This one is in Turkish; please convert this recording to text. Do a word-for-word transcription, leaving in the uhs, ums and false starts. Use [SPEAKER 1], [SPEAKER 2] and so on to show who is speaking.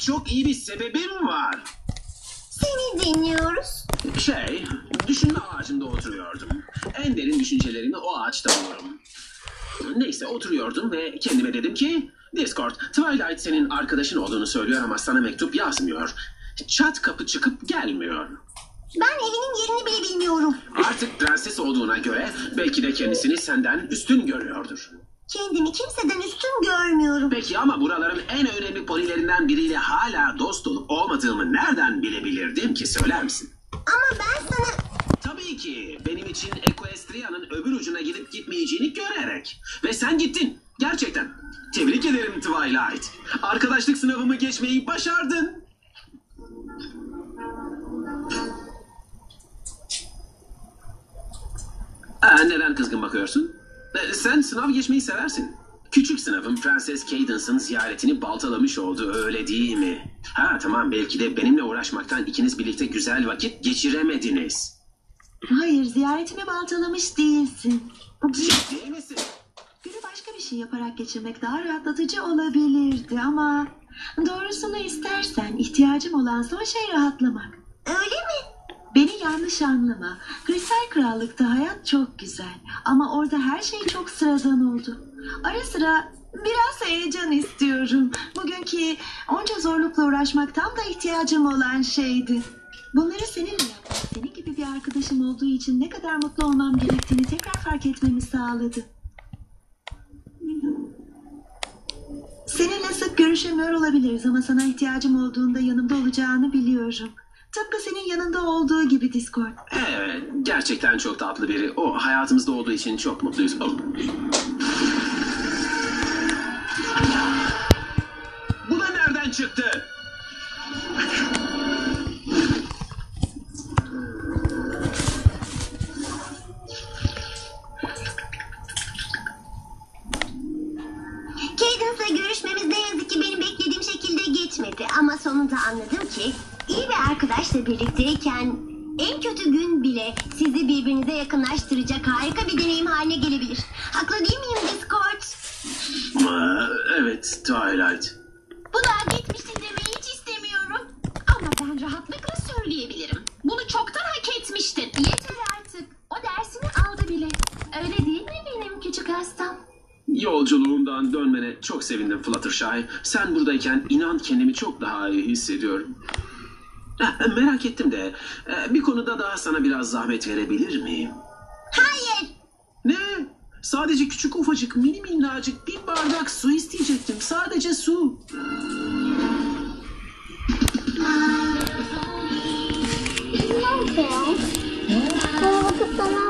[SPEAKER 1] çok iyi bir sebebim var.
[SPEAKER 2] Seni dinliyoruz.
[SPEAKER 1] Şey, düşünme ağacında oturuyordum. En derin düşüncelerimi o ağaçta bulurum. Neyse oturuyordum ve kendime dedim ki... Discord, Twilight senin arkadaşın olduğunu söylüyor ama sana mektup yazmıyor. Çat kapı çıkıp gelmiyor.
[SPEAKER 2] Ben evinin yerini bile bilmiyorum.
[SPEAKER 1] Artık prenses olduğuna göre belki de kendisini senden üstün görüyordur.
[SPEAKER 2] Kendimi kimseden üstün görmüyorum.
[SPEAKER 1] Peki ama buraların en önemli ponilerinden biriyle hala dost olup olmadığımı nereden bilebilirdim ki, söyler misin?
[SPEAKER 2] Ama ben sana...
[SPEAKER 1] Tabii ki benim için Equestria'nın öbür ucuna gidip gitmeyeceğini görerek. Ve sen gittin. Gerçekten. Tebrik ederim Twilight. Arkadaşlık sınavımı geçmeyi başardın. Aa, neden kızgın bakıyorsun? Ee, sen sınav geçmeyi seversin. Küçük sınavın Prenses Cadence'ın ziyaretini baltalamış oldu, öyle değil mi? Ha tamam, belki de benimle uğraşmaktan ikiniz birlikte güzel vakit geçiremediniz.
[SPEAKER 3] Hayır, ziyaretimi baltalamış değilsin.
[SPEAKER 1] Ciddi misin?
[SPEAKER 3] Günü başka bir şey yaparak geçirmek daha rahatlatıcı olabilirdi ama... Doğrusunu istersen ihtiyacım olan son şey rahatlamak.
[SPEAKER 2] Öyle mi?
[SPEAKER 3] Beni yanlış anlama. Kristal Krallık'ta hayat çok güzel. Ama orada her şey çok sıradan oldu. Ara sıra biraz heyecan istiyorum. Bugünkü onca zorlukla uğraşmak tam da ihtiyacım olan şeydi. Bunları seninle yapmak, senin gibi bir arkadaşım olduğu için ne kadar mutlu olmam gerektiğini tekrar fark etmemi sağladı. Seninle sık görüşemiyor olabiliriz ama sana ihtiyacım olduğunda yanımda olacağını biliyorum. Tıpkı senin yanında olduğu gibi Discord.
[SPEAKER 1] Evet, gerçekten çok tatlı biri. O hayatımızda olduğu için çok mutluyuz. Oh. Bu da nereden çıktı?
[SPEAKER 2] Cadence'la görüşmemiz ne yazık ki benim beklediğim şekilde geçmedi. Ama sonunda anladım ki iyi bir arkadaşla birlikteyken en kötü gün bile sizi birbirinize yakınlaştıracak harika bir deneyim haline gelebilir. Haklı değil miyim Discord?
[SPEAKER 1] Aa, evet Twilight.
[SPEAKER 4] Bu da geçmişti demeyi hiç istemiyorum. Ama ben rahatlıkla söyleyebilirim. Bunu çoktan hak etmiştin. Yeter artık. O dersini aldı bile. Öyle değil mi benim küçük hastam?
[SPEAKER 1] Yolculuğumdan dönmene çok sevindim Fluttershy. Sen buradayken inan kendimi çok daha iyi hissediyorum. Eh, merak ettim de eh, bir konuda daha sana biraz zahmet verebilir miyim?
[SPEAKER 2] Hayır.
[SPEAKER 1] Ne? Sadece küçük ufacık mini minnacık bir bardak su isteyecektim. Sadece su.
[SPEAKER 2] Neyse. Kahvaltı sana